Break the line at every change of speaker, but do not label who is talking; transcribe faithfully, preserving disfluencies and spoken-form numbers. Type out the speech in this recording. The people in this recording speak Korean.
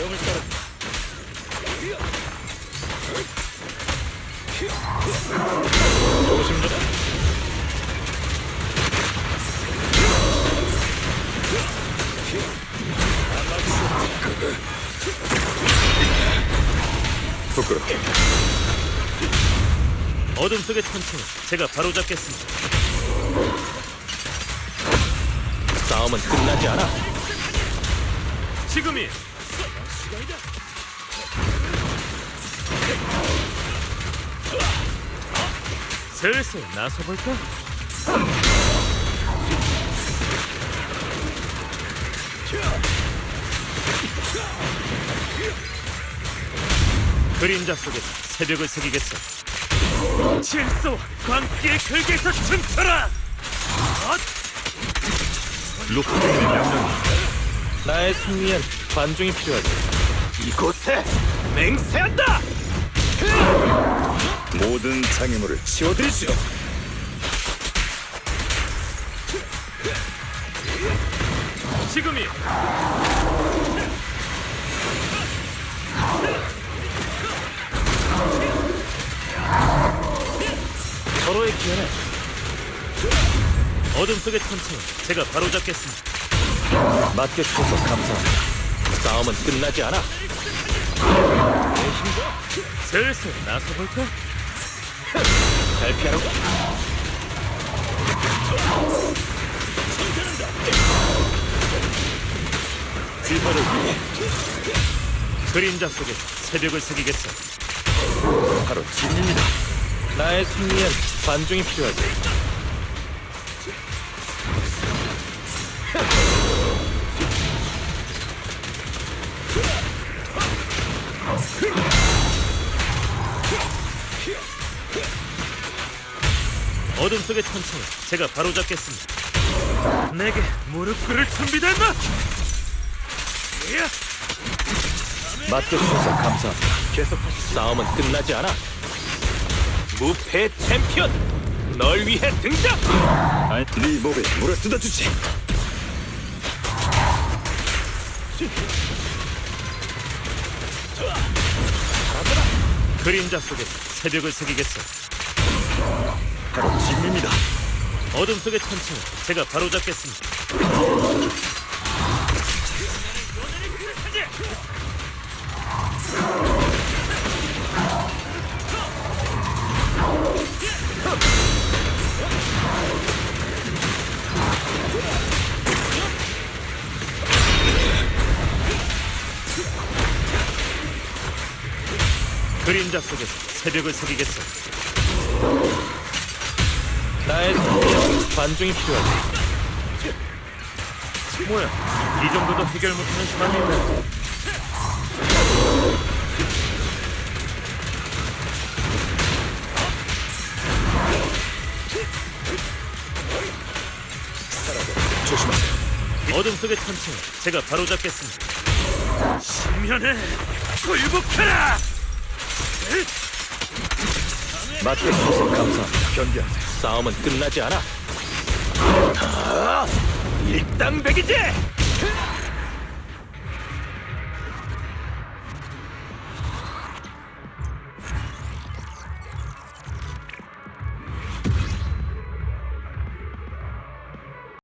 명을 따라. 조심하라.
부끄럽게.
어둠 속의 천천히 제가 바로잡겠습니다.
싸움은 끝나지 않아.
지금이 슬슬 나서볼까? 그림자 속에서 새벽을 새기겠어. 질서와 광기의 결계에서 춤춰라!
루프의 명령이. 나의 승리엔 관중이 필요하지.
이곳에 맹세한다!
모든 장애물을 치워드리시오.
지금이 서로의 기회는 어둠 속의 천천히 제가 바로잡겠습니다.
맡겨주셔서 감사합니다. 싸움은 끝나지 않아.
슬슬 나서볼까?
잘 피하라고.
지화를 위해 그림자 속에서 새벽을 새기겠어.
바로 진입니다. 나의 승리엔 관중이 필요하지.
어둠 속의 천천히 제가 바로잡겠습니다. 내게 무릎 꿇을 준비됐나?
맡겨주셔서 감사합니다. 계속하시죠. 싸움은 끝나지 않아.
무패 챔피언! 널 위해 등장!
아니, 네 몸에 물을 뜯어주지.
그림자 속에서 새벽을 새기겠어.
바로 진입니다.
어둠 속의 천천히 제가 바로잡겠습니다. 그림자 속에서 새벽을 새기겠어.
나의 승리엔 관중이 필요하지.
뭐야, 이 정도도 해결 못하는 사람이 있네.
조심하세요.
어둠 속의 천천히 제가 바로잡겠습니다. 신면에 굴복하라!
맡겨주셔서 감사합니다. 견디하세요. 싸움은 끝나지 않아.
일당백이지!